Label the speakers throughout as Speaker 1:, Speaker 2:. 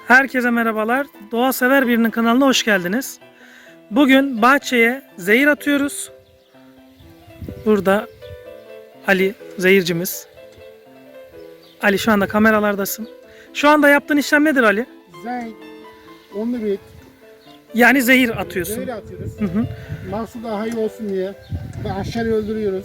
Speaker 1: Herkese merhabalar. Doğa sever birinin kanalına hoş geldiniz. Bugün bahçeye zehir atıyoruz. Burada Ali zehircimiz. Ali şu anda kameralardasın. Şu anda yaptığın işlem nedir Ali?
Speaker 2: Zenk, onlu bit,
Speaker 1: Yani zehir atıyorsun.
Speaker 2: zehir atıyoruz.
Speaker 1: Hı hı.
Speaker 2: Mahsul daha iyi olsun diye. Ve aşağıya öldürüyoruz.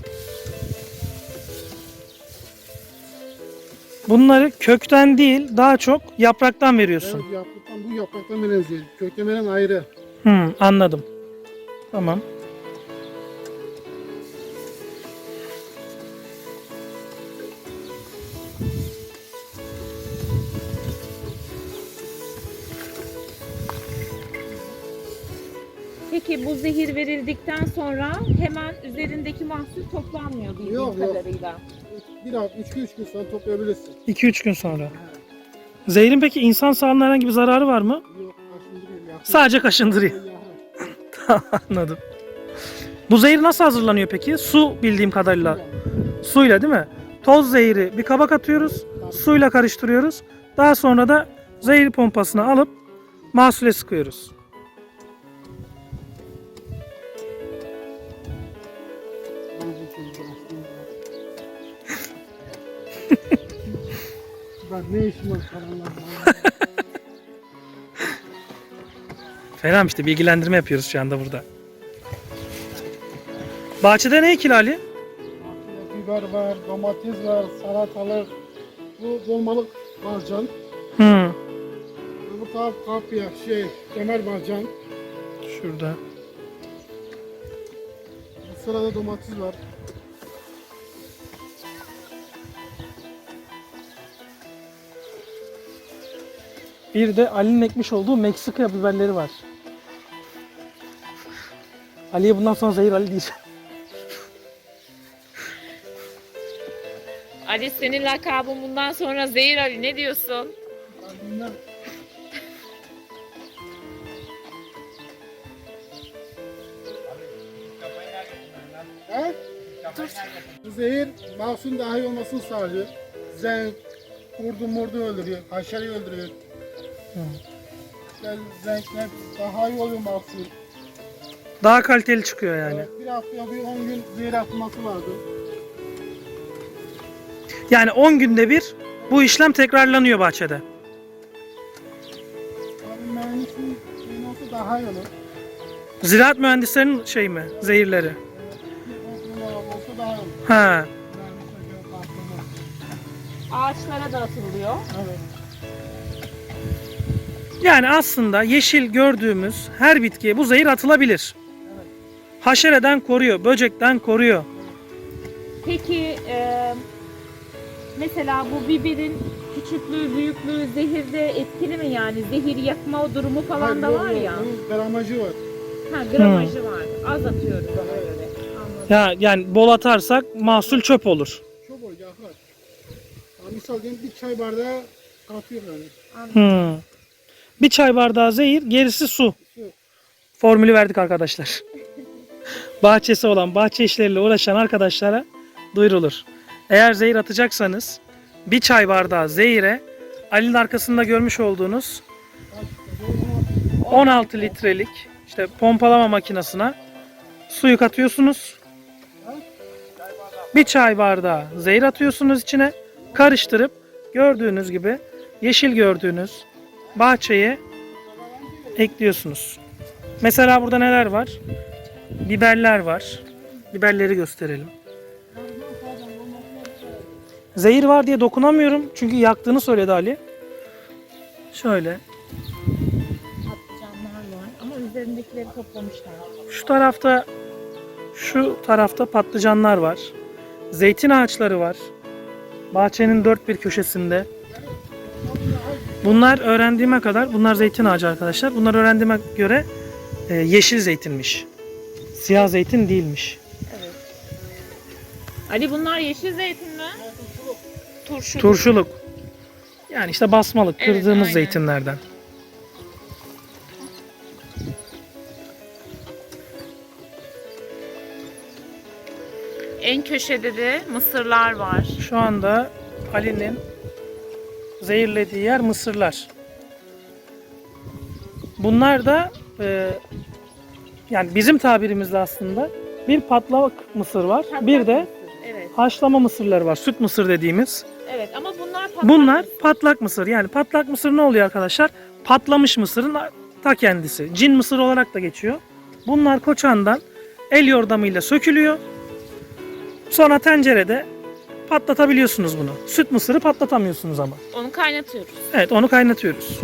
Speaker 1: Bunları kökten değil daha çok yapraktan veriyorsun.
Speaker 2: Evet, bu yapraktan veren zehir. Kökten veren ayrı.
Speaker 1: Anladım. Tamam.
Speaker 3: Peki bu zehir verildikten sonra hemen üzerindeki mahsul toplanmıyor bildiğim
Speaker 2: Yok.
Speaker 3: kadarıyla.
Speaker 2: Bir hafta, 3 gün sonra toplayabilirsin.
Speaker 1: 2-3 gün sonra. Zehirin peki insan sağlığına herhangi bir zararı var mı?
Speaker 2: Yok, kaşındırıyor. Yakın.
Speaker 1: Sadece kaşındırıyor. Anladım. Bu zehir nasıl hazırlanıyor peki? Su bildiğim kadarıyla. Suyla değil mi? Toz zehiri bir kaba atıyoruz. Suyla karıştırıyoruz. Daha sonra da zehir pompasını alıp mahsule sıkıyoruz.
Speaker 2: Ben ne işim var karanlığa?
Speaker 1: Fena işte bilgilendirme yapıyoruz şu anda burada. Bahçede ne ekili Ali?
Speaker 2: Biber var, domates var, salatalık. Bu dolmalık barcan. Bu taraf kapya, kemer barcan.
Speaker 1: Şurada.
Speaker 2: Bu sırada domates var.
Speaker 1: Bir de Ali'nin ekmiş olduğu Meksika biberleri var. Ali'ye bundan sonra zehir Ali diyeceğim.
Speaker 3: Ali senin lakabın bundan sonra Zehir Ali, ne diyorsun?
Speaker 2: Bunlar He? Bu zehir mahsulün daha iyi olmasını sağlıyor. Zenk, kurdu öldürüyor, haşereyi öldürüyor. Zenkler daha iyi oluyor mahsul.
Speaker 1: Daha kaliteli çıkıyor yani.
Speaker 2: Evet, bir hafta bir 10 gün zehir atılması vardı.
Speaker 1: Yani 10 günde bir bu işlem tekrarlanıyor bahçede.
Speaker 2: Abi mühendisin şeyin olsa daha iyi olur.
Speaker 1: Ziraat mühendislerinin şey mi? Zehirleri.
Speaker 2: Bir olsa daha iyi olur.
Speaker 1: Ha.
Speaker 2: Mühendisler göre farklı.
Speaker 3: Ağaçlara da atılıyor.
Speaker 2: Evet.
Speaker 1: Yani aslında yeşil gördüğümüz her bitkiye bu zehir atılabilir. Haşereden koruyor, böcekten koruyor.
Speaker 3: Peki mesela bu biberin küçüklüğü, büyüklüğü zehirde etkili mi yani? Zehir yakma durumu falan da var ya.
Speaker 2: Onun gramajı var.
Speaker 3: Ha, gramajı var. Az atıyoruz ona göre. Anladım.
Speaker 1: Yani bol atarsak mahsul çöp olur.
Speaker 2: Çok oluyor yakar. Yani misal diyelim bir çay bardağı katıyor yani.
Speaker 1: Bir çay bardağı zehir, gerisi su.
Speaker 2: Su.
Speaker 1: Formülü verdik arkadaşlar. Bahçesi olan, bahçe işleriyle uğraşan arkadaşlara duyurulur. Eğer zehir atacaksanız bir çay bardağı zehire Ali'nin arkasında görmüş olduğunuz 16 litrelik işte pompalama makinesine suyu katıyorsunuz. Bir çay bardağı zehir atıyorsunuz içine. Karıştırıp gördüğünüz gibi yeşil gördüğünüz bahçeye ekliyorsunuz. Mesela burada neler var? Biberler var. Biberleri gösterelim. Zehir var diye dokunamıyorum. Çünkü yaktığını söyledi Ali. Şöyle.
Speaker 3: Patlıcanlar var ama üzerindekileri toplamışlar.
Speaker 1: Şu tarafta patlıcanlar var. Zeytin ağaçları var. Bahçenin dört bir köşesinde. Bunlar öğrendiğime kadar, bunlar zeytin ağacı arkadaşlar. Bunlar öğrendiğime göre yeşil zeytinmiş. Siyah zeytin değilmiş.
Speaker 3: Evet. Ali bunlar yeşil zeytin mi? Turşu.
Speaker 1: Turşuluk. Yani işte basmalık,
Speaker 3: Evet,
Speaker 1: kırdığımız
Speaker 3: aynen.
Speaker 1: zeytinlerden.
Speaker 3: En köşede de mısırlar var.
Speaker 1: Şu anda Ali'nin zehirlediği yer mısırlar. Bunlar da yani bizim tabirimizde aslında bir patlak mısır var.
Speaker 3: Patlak
Speaker 1: Bir de
Speaker 3: mısır, evet.
Speaker 1: haşlama mısırları var. Süt mısır dediğimiz.
Speaker 3: Evet ama bunlar patlak
Speaker 1: Bunlar
Speaker 3: mısır.
Speaker 1: patlak mısır. Yani patlak mısır ne oluyor arkadaşlar? Patlamış mısırın ta kendisi. Cin mısır olarak da geçiyor. Bunlar koçandan el yordamıyla sökülüyor. Sonra tencerede patlatabiliyorsunuz bunu. Süt mısırı patlatamıyorsunuz ama.
Speaker 3: Onu kaynatıyoruz.
Speaker 1: Evet, onu kaynatıyoruz.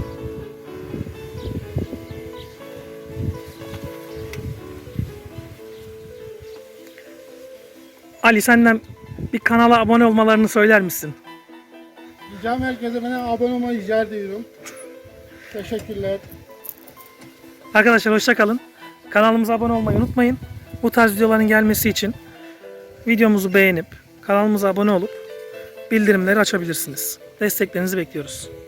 Speaker 1: Ali, senden bir kanala abone olmalarını söyler misin?
Speaker 2: Ricam herkese bana abone olmayı rica ediyorum. Teşekkürler.
Speaker 1: Arkadaşlar hoşça kalın. Kanalımıza abone olmayı unutmayın. Bu tarz videoların gelmesi için videomuzu beğenip kanalımıza abone olup bildirimleri açabilirsiniz. Desteklerinizi bekliyoruz.